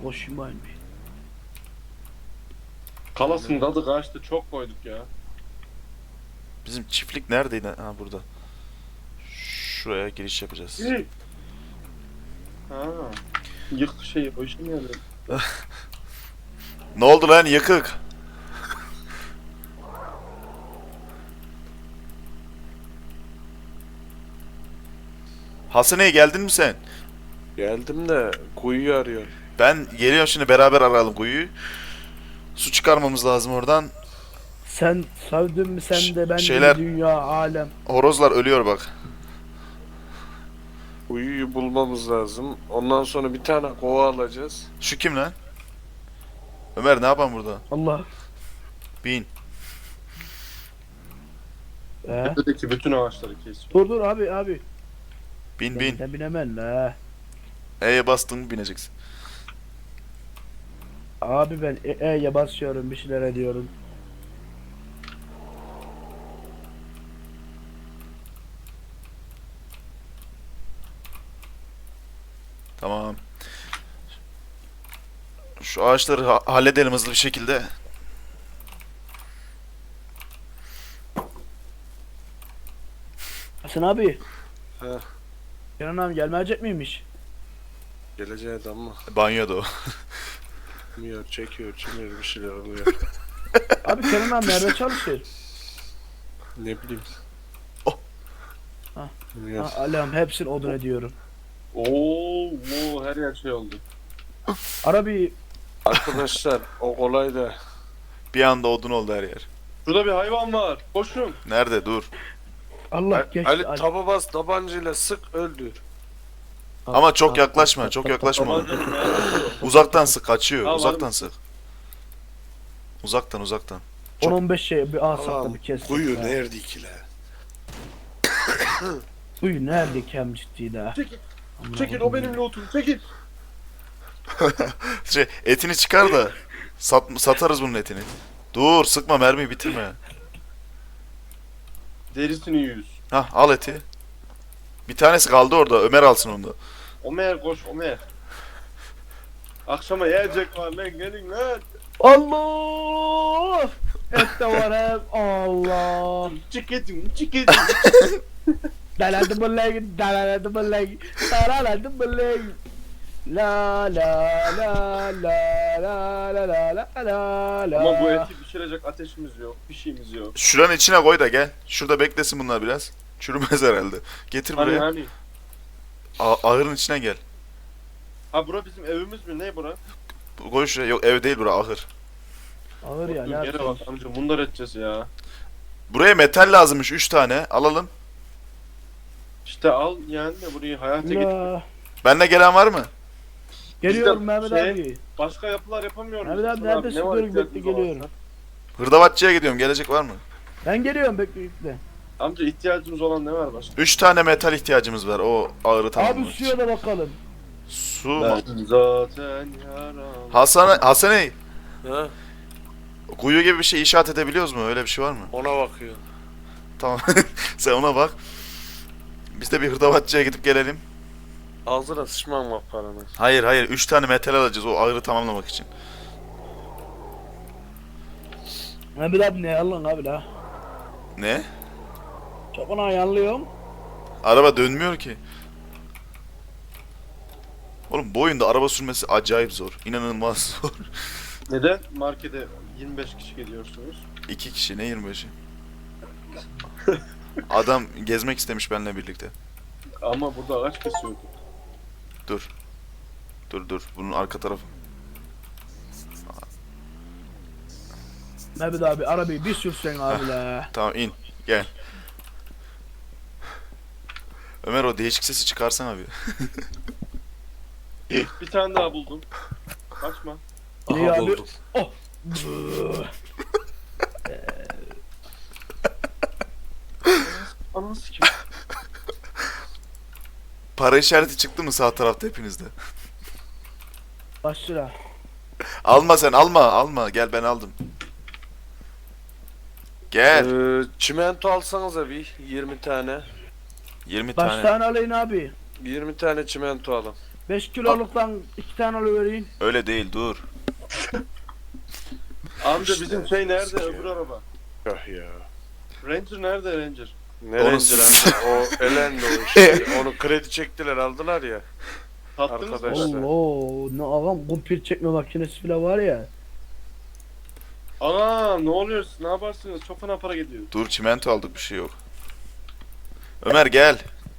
koşayım ben bir. Kalasın tadı kaçtı, çok koyduk ya. Bizim çiftlik neredeydi? Ha, burada. Şuraya giriş yapacağız. Ha. Yık şeyi, o işe mi yarıyor? Ne oldu lan yıkık? Hasan'e geldin mi sen? Geldim de kuyuyu arıyorum. Ben geliyorum şimdi, beraber arayalım kuyuyu. Su çıkarmamız lazım oradan. Sen sevdin mi sen de ben şeyler- de dünya alem. Horozlar ölüyor bak. Kuyuyu bulmamız lazım. Ondan sonra bir tane kova alacağız. Şu kim lan? Ömer ne yapan burada? Allah. Bin. Tepedeki bütün ağaçları kesiyor. Dur abi. Bin bin. Sen binemem la. E'ye bastın mı bineceksin. Abi ben E'ye basıyorum bir şeyler ediyorum. Tamam. Şu ağaçları halledelim hızlı bir şekilde. Hasan abi. He. Kenan abi gelmeyecek miymiş? Geleceğiz ama Banyoda o. bilmiyor, çekiyor, çimiyor, bir şeyler oluyor. Abi Kenan abi nerede çalışıyor? Ne bileyim. Oh. Ha. Bilmiyorum. Ha, Allah'ım hepsini odun ediyorum. Oo, her yer şey oldu. Arabi Arkadaşlar o kolay da Bir anda odun oldu her yer. Şurada bir hayvan var. Koşun. Nerede? Dur. Allah geçti. Ali taba bas, tabancayla sık, öldür. Ama çok yaklaşma, çok yaklaşma. Tabancanın ayarı. Uzaktan sık, kaçıyor. Tamam. Uzaktan sık. Uzaktan. 10-15 şey bir alsak da Tamam. bir kestik. Kuyu ya. nerede ki la? Kuyu nerede kem ciddi de. Çekil, Amına çekil, o koyayım. benim lootum, çekil. Etini çıkar da satarız bunun etini. Dur, sıkma, mermiyi bitirme. Derisini yüz. Hah, al eti. Bir tanesi kaldı orada. Ömer alsın onu da. Ömer koş, Ömer. Akşama yiyecek var lan, gelin lan. Allah! Et de var hem. Allah! Çıkıtın. Daladı bıllay, daladı bıllay, daladı bıllay. La la la la la la la la la. Ama bu eti pişirecek ateşimiz yok, bir şeyimiz yok. Şuranın içine koy da gel. Şurada beklesin bunlar biraz. Çürümez herhalde. Getir Hani buraya. hani. Ahırın içine gel. Ha bura bizim evimiz mi, ne bura? Koy şuraya. Yok, ev değil bura, ahır. Ağır ya, ne Yere yapacağız? bak amca, bunlar edeceğiz ya. Buraya metal lazımmış 3 tane. Alalım. İşte al yani de burayı hayata getir. La. Benle gelen var mı? Geliyorum Bizde Mehmet şey- abi. Başka yapılar yapamıyoruz. Mehmet abi Hasan neredesin? ne var Dur bekle ihtiyacımız olan? geliyorum. Hırdavatçıya gidiyorum. Gelecek var mı? Ben geliyorum bekle. Amca ihtiyacımız olan ne var başka? 3 tane metal ihtiyacımız var. O ağırı Abi tamamlamak suya için. da bakalım. Su. Ben zaten yaram. Hasan'ı Ha? kuyu gibi bir şey inşaat edebiliyoruz mu? Öyle bir şey var mı? Ona bakıyor. Tamam. Sen ona bak. Biz de bir hırdavatçıya gidip gelelim. Ağzına sıçmam bak paranı. Hayır. 3 tane metal alacağız o ağırı tamamlamak için. Mehmet abi ne yalan abi la. Ne? Çok ona yanlıyorum. Araba dönmüyor ki. Oğlum bu oyunda araba sürmesi acayip zor. İnanılmaz zor. Neden markete 25 kişi geliyorsunuz? 2 kişi, ne 25'i? Adam gezmek istemiş benimle birlikte. Ama burada ağaç kesiyorduk. Dur. Bunun arka tarafı. Mehmet abi arabayı bir sürsen abi la. Tamam, in. Gel. Ömer, o değişik sesi çıkarsana bir. Bir tane daha buldum. Kaçma. İyi Aha abi. buldum. Oh. Ananı sikim. Para işareti çıktı mı sağ tarafta hepinizde? Başla. Alma sen, alma. Gel, ben aldım. Gel. Çimento alsanıza bir 20 tane. 20 Kaç tane. tane alayım abi? 20 tane çimento alın. 5 kiloluktan 2 tane alıvereyim. Öyle değil dur. Amca İşte, bizim şey nerede sikiyor. öbür araba? Yok ya. Ranger nerede Ranger? Ne Onu Ranger amca? O elendi o işte. Onu kredi çektiler aldılar ya. Tattınız mı? Arkadaşlar. Allah ne ağam kumpir çekme makinesi bile var ya. Ana ne oluyor siz ne yaparsınız? Çok fena para gidiyor. Dur çimento aldık bir şey yok. Ömer gel.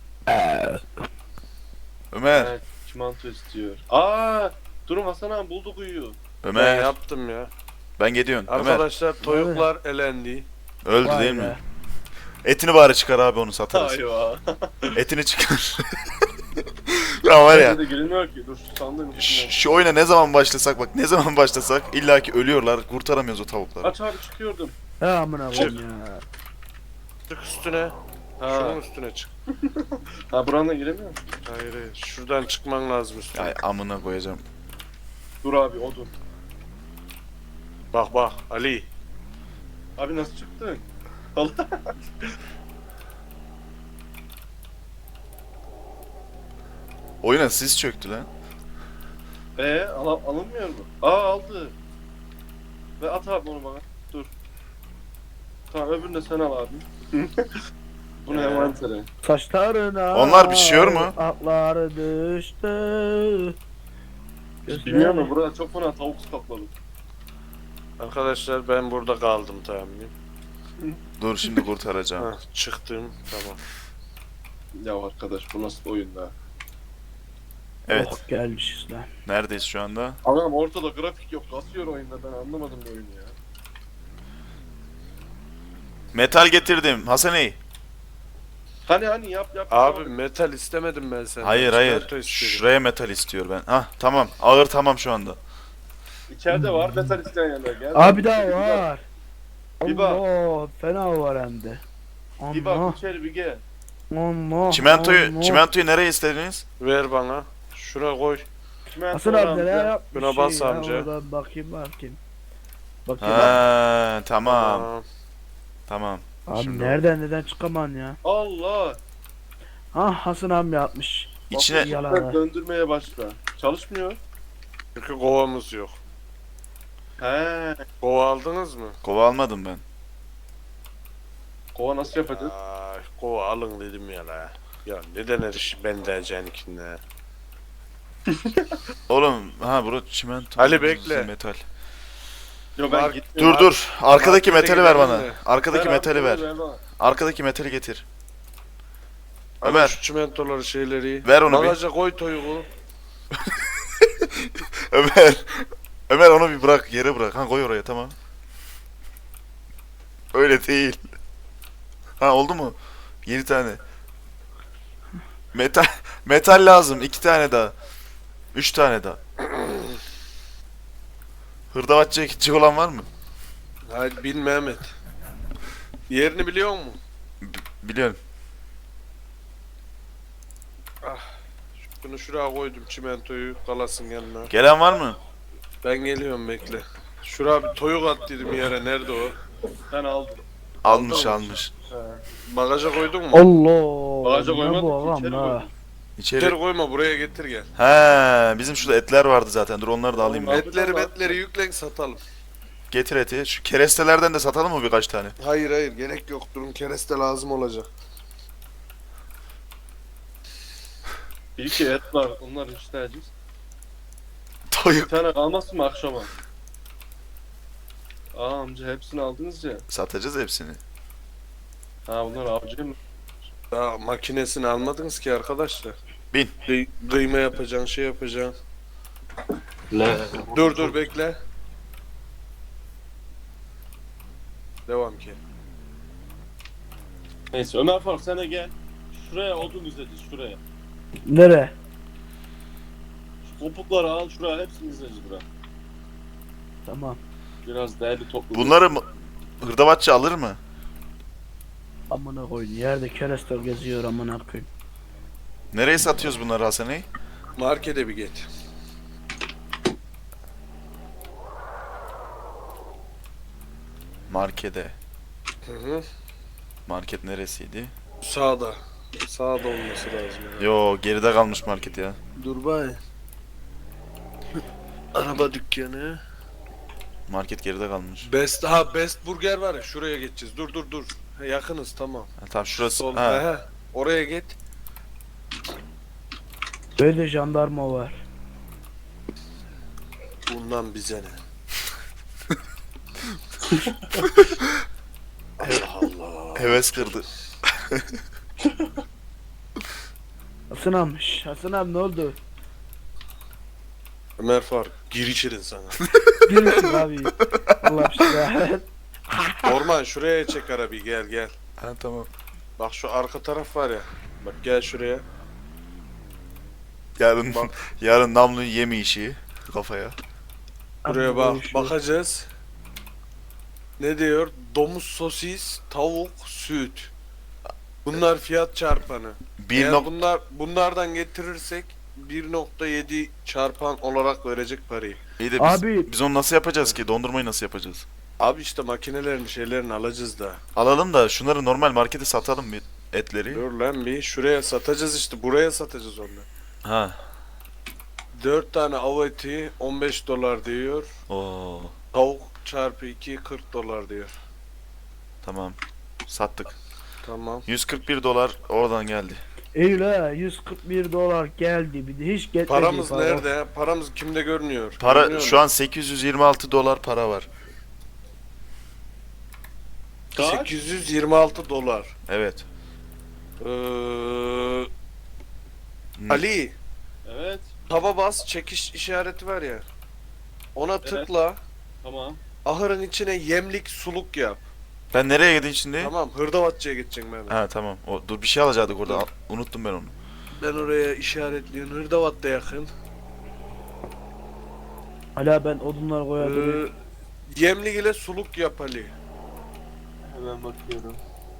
Ömer. Evet, çimento istiyor. Aa, durun Hasan abi bulduk uyuyor. Ben Ömer. yaptım ya. Ben gidiyorum. Ömer. Arkadaşlar toyuklar elendi. Öldü Vay değil be. mi? Etini bari çıkar abi onu satarız. Ayva. Etini çıkar. Ya var ya. Bence de girilmiyor ki. Dur şu sandığın içinden. Şu oyuna ne zaman başlasak bak ne zaman başlasak illaki ölüyorlar kurtaramıyoruz o tavukları. Aç abi çıkıyordum. He amına koyayım ya. Çık üstüne. Ha, Şunun üstüne çık. ha buranın da giremiyor. Hayır hayır. Şuradan çıkman lazım üstüne. Ay amına koyacağım. Dur abi odun. Bak bak Ali. Abi nasıl çıktın? Oyuna sis çöktü lan. Alınmıyor mu? Aa aldı. Ve at abi onu bana. Dur. Tamam öbürünü de sen al abi. Bu ne envantere? Saçlarına Onlar pişiyor mu? Akları düştü. Bilmiyorum ama burada çok fena tavuk kapladı. Arkadaşlar ben burada kaldım tamam. Dur şimdi kurtaracağım. Heh, çıktım tamam. Ya arkadaş bu nasıl oyun da? Evet. Oh, gelmişiz lan. Neredeyiz şu anda? Adam ortada grafik yok. Kasıyor oyunda ben anlamadım bu oyunu ya. Metal getirdim. Hasaney. Hani yap. Abi metal istemedim ben senden. Hayır hayır. Çimento istedim. Şuraya metal istiyor ben. Hah tamam. Ağır tamam şu anda. İçeride var metal isteyen yerler. Gel. Abi daha var. Bir bak. Allah fena var hem de. Bir Allah. bak içeri bir gel. Allah. Çimentoyu nereye istediniz? Ver bana. Şuraya koy. Hasan abi neler yapmış Buna bas ya, amca. oradan bakayım. Bakayım Ha tamam. Tamam. abi şimdi neden çıkaman ya? Allah. Ha Hasan abi yapmış. İçine Yalan. Döndürmeye başla. Çalışmıyor. Çünkü kovamız yok. He. Kova aldınız mı? kova almadım ben. Kova nasıl yapacağız? Ay, kova alın dedim ya la. Ya neden her iş ben diyeceğin ikinde. Oğlum ha bura çimento. Ali, bekle. Metal. Yo ben Mark- gitmiyorum. Dur. Arkadaki Markete metali ver gidelim bana. mi? Arkadaki Ver abi, metali ver. bana. Arkadaki metali getir. Ama Ömer. şu çimentoları şeyleri. Ver onu bir. Bagaja koy toyuğu. Ömer. Ömer onu bir bırak yere bırak. Ha koy oraya tamam. Öyle değil. Ha oldu mu? 7 tane. Metal lazım. 2 tane daha. 3 tane daha. Hırdavatçıya gidecek olan var mı? Haydi bin Mehmet. Yerini biliyor musun? Biliyorum. Bunu şuraya koydum çimentoyu kalasın yanına. Gelen var mı? Ben geliyorum bekle. Şuraya bir toyuk at dedim yere. Nerede o? Ben aldım. Almış. Bagaja koydun mu? Allah. Bagaja ne koymadık bu ki, ağam içeri ha? koydum. İçeri. İçeri koyma buraya getir gel. He, bizim şurada etler vardı zaten. Dur onları da alayım ben. Etleri yüklen satalım. Getir eti. Şu kerestelerden de satalım mı birkaç tane? Hayır gerek yok. Durun kereste lazım olacak. Bir iki et var. Onları isteyeceğiz. Bir Toyuk. tane kalmasın mı akşama? Aa amca hepsini aldınız ya. Satacağız hepsini. Ha bunlar avcı mı? Daha makinesini almadınız ki arkadaşlar. Bin. Kıyma yapacaksın, şey yapacaksın. Dur bekle. Devam ki. Neyse Ömer Faruk sen de gel. Şuraya odun izleyeceğiz şuraya. Nere? Şu kopukları al şuraya hepsini izleyeceğiz buraya. Tamam. Biraz değerli toplu. Bunları hırdavatçı alır mı? Amına koyun. Yerde kerestör geziyor amına koyun. Nereye satıyoruz bunları Hasaney? Markete bir geç. Markete. Hı hı. Market neresiydi? Sağda. Sağda olması lazım ya. Yo geride kalmış market ya. Dur bay. Araba dükkanı. Market geride kalmış. Best Burger var ya, şuraya geçeceğiz. Dur. Ha, yakınız tamam. Ha, tamam şurası. Sol. Ha. He. Oraya git. Böyle jandarma var. Bundan bize ne? Allah Allah. Heves kırdı. Hasan almış. Hasan abi ne oldu? Ömer Faruk gir içerin sana. Girmişsin abi. Allah aşkına. Orman şuraya çek arabayı, gel. Ha tamam. Bak şu arka taraf var ya. Bak gel şuraya. Yarın Bak. yarın namlu yeme işi kafaya. Buraya Abi, bak. böyle şu- Bakacağız. Ne diyor? Domuz sosis, tavuk, süt. Bunlar fiyat çarpanı. Bir Eğer nok bunlardan getirirsek 1.7 çarpan olarak verecek parayı. İyi de Abi- biz onu nasıl yapacağız ki? Dondurmayı nasıl yapacağız? Abi işte makinelerini şeylerini alacağız da. Alalım da şunları normal markete satalım bir etleri. Dur lan bir şuraya satacağız işte, buraya satacağız onu. Ha. 4 tane av eti 15 dolar diyor. Oo. Tavuk çarpı 2 40 dolar diyor. Tamam. Sattık. Tamam. 141 dolar oradan geldi. Eyle 141 dolar geldi bir de hiç getmedi. Paramız para. nerede? Paramız kimde görünüyor? Para Görünüyor şu mu? an 826 dolar para var. Kaç? 826 dolar. Evet. Ee, Hmm. Ali, Evet. taba bas, çekiş işareti var ya. Ona tıkla. Tamam. Ahırın içine yemlik suluk yap. Ben nereye gideyim şimdi? Tamam, Hırdavatçı'ya geçeceksin ben. Ha tamam. Dur bir şey alacaktık orada. Unuttum ben onu. Ben oraya işaretliyorum. Hırdavat da yakın. Hala ben odunlar koyabilirim. Yemlik ile suluk yap Ali. Hemen bakıyorum.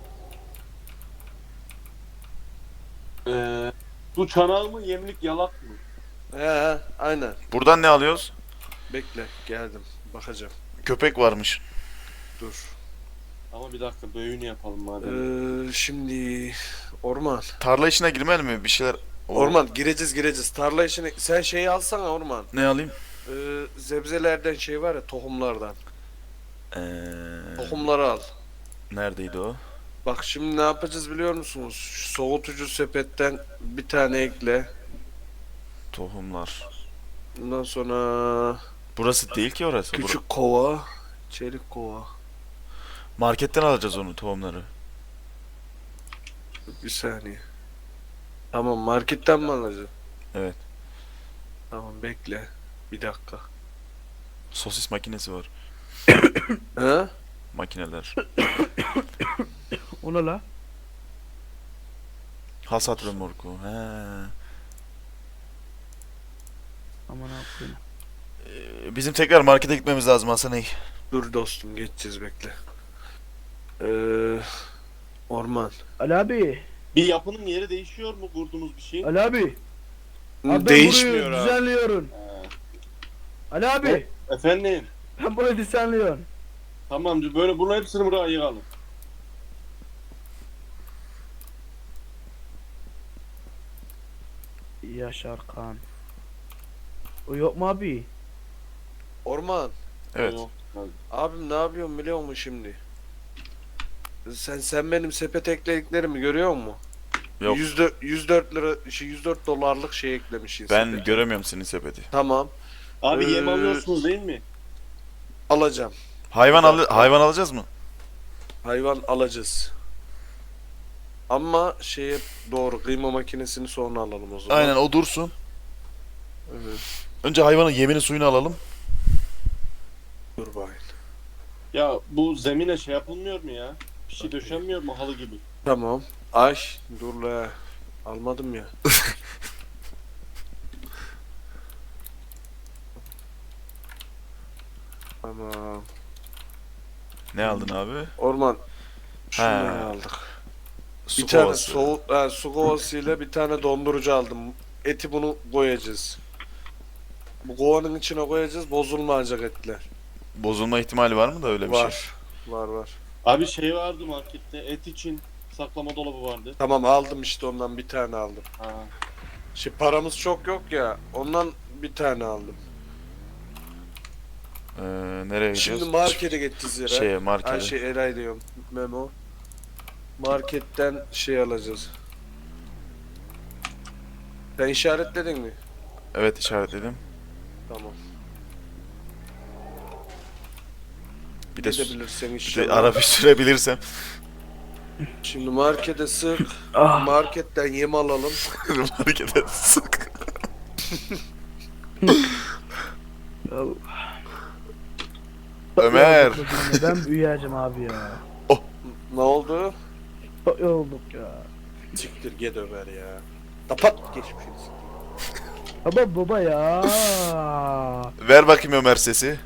Bu çanağı mı, yemlik yalak mı? He, aynen. Buradan ne alıyoruz? Bekle, geldim. Bakacağım. Köpek varmış. Dur. Ama bir dakika, böğünü yapalım madem. Şimdi orman. Tarla işine girmeli mi? Bir şeyler... Orman gireceğiz. Tarla işine sen şeyi alsana orman. Ne alayım? Zebzelerden şey var ya, tohumlardan. Ee, Tohumları al. neredeydi o? Bak şimdi ne yapacağız biliyor musunuz? Şu soğutucu sepetten bir tane ekle. Tohumlar. Ondan sonra Burası değil ki orası. küçük kova, çelik kova. Marketten alacağız onu tohumları. Bir saniye. Tamam, marketten mi alacaksın? Evet. Tamam, bekle. Bir dakika. Sosis makinesi var. He? Makineler. Ona la. Hasat römorku. He. Aman Allah'ım. Bizim tekrar markete gitmemiz lazım Hasan Ey. Dur dostum, geçeceğiz, bekle. Orman. Ali abi. Bir yapının yeri değişiyor mu kurduğumuz bir şey? Ali abi. Abi ben Değişmiyor burayı abi. düzenliyorum. Ali abi. Efendim? Ben burayı düzenliyorum. Tamam, böyle bunun hepsini buraya yığalım. Yaşar Kan. O yok mu abi? Orman. Evet. Yok. Abim ne yapıyorsun biliyor musun şimdi? Sen benim sepet eklediklerimi görüyor musun? Yok. 104 lira, 104 dolarlık şey eklemişsin. Ben sepete. göremiyorum senin sepeti. Tamam, Abi yem Ee, alıyorsunuz değil mi? alacağım. Hayvan alacağız mı? Hayvan alacağız. Ama şeye doğru, kıyma makinesini sonra alalım o zaman. Aynen o dursun. Evet. Önce hayvanın yemini suyunu alalım. Dur bakayım. Ya bu zemine şey yapılmıyor mu ya? Bir şey döşenmiyor mu halı gibi? Tamam. Ay dur la. Almadım ya. Tamam. Ne aldın abi? Orman. Şunları He. aldık. Su Bir tane kovası. su kovasıyla bir tane dondurucu aldım. Eti bunu koyacağız. Bu kovanın içine koyacağız, bozulmayacak etler. Bozulma ihtimali var mı da öyle bir şey? Var. Var. Abi şey vardı markette, et için saklama dolabı vardı. Tamam aldım işte ondan bir tane aldım. Ha. Paramız çok yok ya. Ondan bir tane aldım. Nereye gidiyoruz? Şimdi markete gideceğiz yere. Şeye, markete. Ay şey Eray diyorum. Memo. Marketten şey alacağız. Sen işaretledin mi? Evet, işaretledim. Tamam. Bir de, Gidebilirsen bir de inşallah. araba sürebilirsem. Şimdi markete sık. Ah. Marketten yem alalım. Markete sık. Ömer. Ben büyüyeceğim abi ya. Ne oldu? Çok yorulduk ya. Siktir git Ömer ya. Kapat geçmişini siktir. Ama baba ya. Ver bakayım Ömer sesi.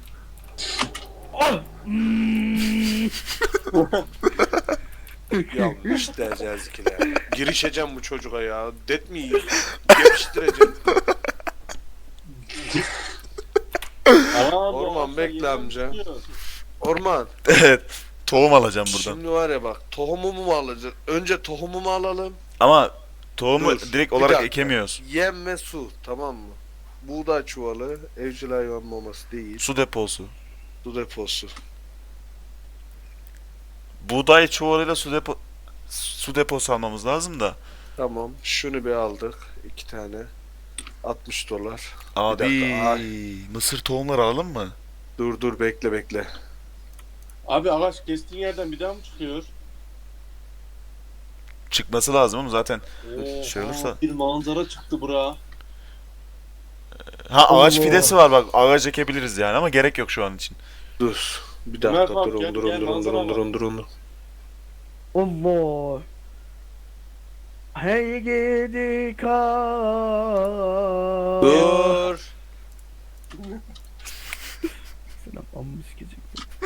Yanlış diyeceğiz ikiler. Girişeceğim bu çocuğa ya. Det mi yiyeyim? Geliştireceğim. Orman bekle amca. Orman. Evet. Tohum alacağım buradan. Şimdi var ya bak tohumumu mu alacağız? Önce tohumumu alalım. Ama tohumu Dur, direkt bir olarak dakika. ekemiyoruz. Yem ve su tamam mı? Buğday çuvalı, evcil hayvan maması değil. Su deposu. Su deposu. Buğday çuvalıyla su deposu almamız lazım da. Tamam. Şunu bir aldık. 2 tane. 60 dolar. Abi dakika, mısır tohumları alalım mı? Dur bekle. Abi ağaç kestiğin yerden bir daha mı çıkıyor? Çıkması lazım ama zaten. Oo, Şey olursa- Bir manzara çıktı bura. Ha, ağaç Allah. fidesi var bak, ağaç ekebiliriz yani ama gerek yok şu an için. Dur. Bir Ömer dakika Faruk, gel, gel, manzara var. durun. Allah. Hey gidi kar. Dur. Selam amma sikecek.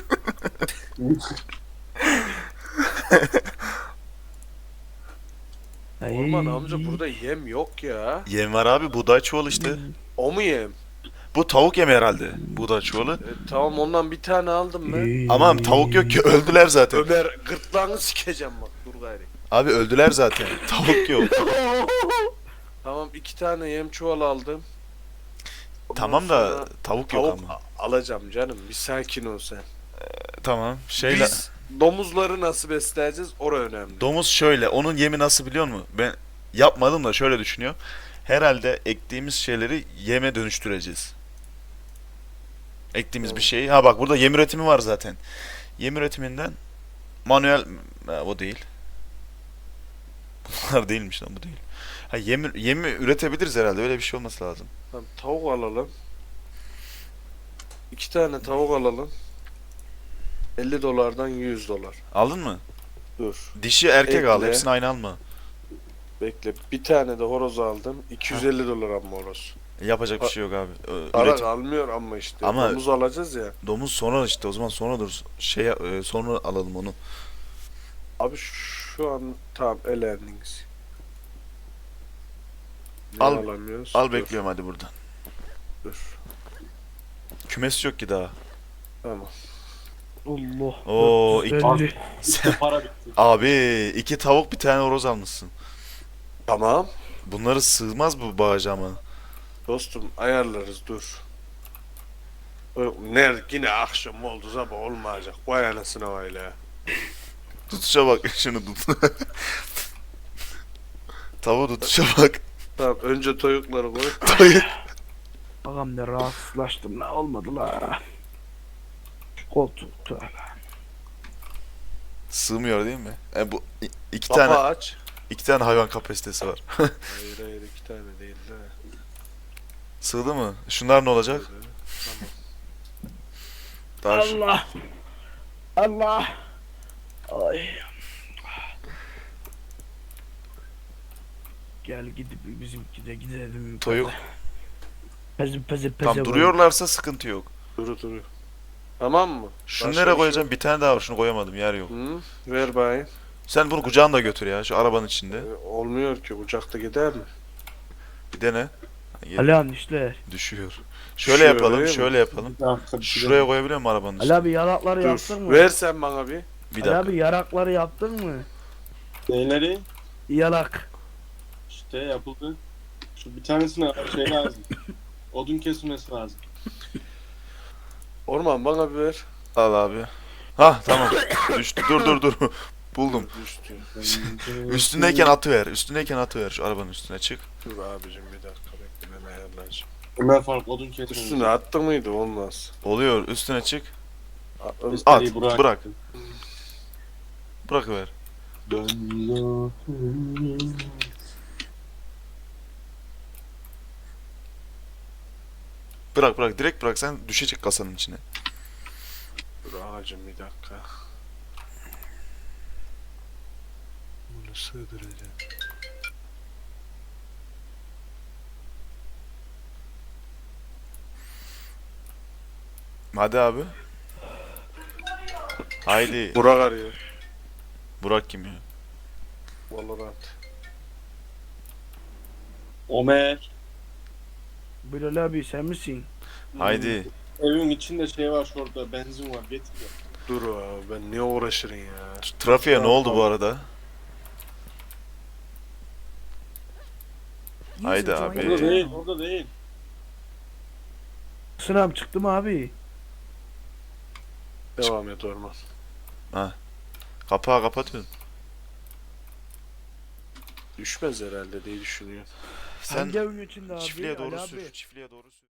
Orman amca burada yem yok ya. Yem var abi, buğday çuvalı işte. O mu yem? Bu tavuk yemi herhalde, buğday çuvalı. Tamam ondan bir tane aldım ben. Ama tavuk yok ki, öldüler zaten. Ömer gırtlağını sikeceğim bak dur gayri. Abi öldüler zaten. Tavuk yok. Tamam 2 tane yem çuval aldım. Ondan Tamam da sonra tavuk yok tavuk ama. alacağım canım bir sakin ol sen. Tamam. Şeyle Biz domuzları nasıl besleyeceğiz orası önemli. domuz şöyle, onun yemi nasıl biliyor musun? Ben yapmadım da şöyle düşünüyorum. Herhalde ektiğimiz şeyleri yeme dönüştüreceğiz. Ektiğimiz bir şeyi. Ha bak, burada yem üretimi var zaten. Yem üretiminden manuel o değil. Bunlar değilmiş lan, bu değil. Ha, yemi üretebiliriz herhalde. Öyle bir şey olması lazım. Tamam, tavuk alalım. 2 tane tavuk alalım. 50 dolardan 100 dolar. Aldın mı? Dur. Dişi erkek al. Ekle. Hepsini aynı alma. Bekle. Bir tane de horoz aldım. 250 dolar ama horoz. Yapacak bir şey yok abi. Para Üretim. almıyor ama işte. Ama- Domuz alacağız ya. Domuz sonra işte, o zaman sonra dur. Sonra alalım onu. Abi şu an tamam elendiniz. Ne Al- alamıyoruz? Al Dur, bekliyorum hadi buradan. Dur. Kümes yok ki daha. Tamam. Allah. Oo, 450. Para bitti. Abi 2 tavuk bir tane horoz almışsın. Tamam. Bunları sığmaz bu bağaca ama. Dostum ayarlarız dur. Ne yine akşam oldu sabah olmayacak. Vay anasına öyle ya. Tutuşa bak, şunu tut. Tavuğu tutuşa bak. Tamam önce toyukları koy. Ağam ne rahatsızlaştım la, olmadı la. Koltuk tövbe. Sığmıyor değil mi? Bu iki Kapağı tane aç. hayvan kapasitesi var. Hayır 2 tane değil de. Sığdı mı? Şunlar ne olacak? Daha Allah. Allah. Ay. Gel gidip bizimki de gidelim. Toyuk. Peze. Tam duruyorlarsa sıkıntı yok. Dur. Tamam mı? Şunu Başka nereye bir koyacağım? Bir tane daha var. Şunu koyamadım. Yer yok. Hı? Ver bayım. Sen bunu kucağında götür ya. Şu arabanın içinde. Olmuyor ki kucakta gider mi? Bir dene. Ali abi işler. Düşüyor. Şöyle Düşüyor, yapalım. öyle mi? Şöyle yapalım. Şuraya koyabiliyor musun arabanın Ali içine? abi yarakları yaptın Dur. mı? Ver sen bana bir. Bir Ali dakika. abi yarakları yaptın mı? Neyleri? Yalak. İşte yapıldı. Şu bir tanesine şey lazım. Odun kesilmesi lazım. Orman bana bir ver. Al abi. Ha tamam. Düştü. Dur. Buldum. Düştü. Üstündeyken atıver. Üstündeyken atıver. Şu arabanın üstüne çık. Dur abicim bir dakika bekle ben ayarlayacağım. Ömer Faruk odun kesilmesi. Üstüne attı mıydı olmaz. Oluyor. Üstüne çık. Biz At. seriyi Burak'a Bırak. gittim. Bırakıver. Bırak. Direkt bırak. Sen düşecek kasanın içine. Dur ağacım bir dakika. Bunu sığdıracağım. Hadi abi. Haydi. Burak arıyor. Burak kim ya? Valorant. Ömer. Bilal abi sen misin? Haydi. Evin içinde şey var şurada benzin var getir ya. Dur abi ben niye uğraşırım ya. Şu trafiğe ne oldu bu arada? Haydi abi. Orada değil orada değil. Sınav çıktı mı abi? Devam et Orman. Kapağı kapatıyorsun. Düşmez herhalde diye düşünüyorum. Sen Hangi evin içinde abi? çiftliğe doğru Ali sür. abi. Çiftliğe doğru sür.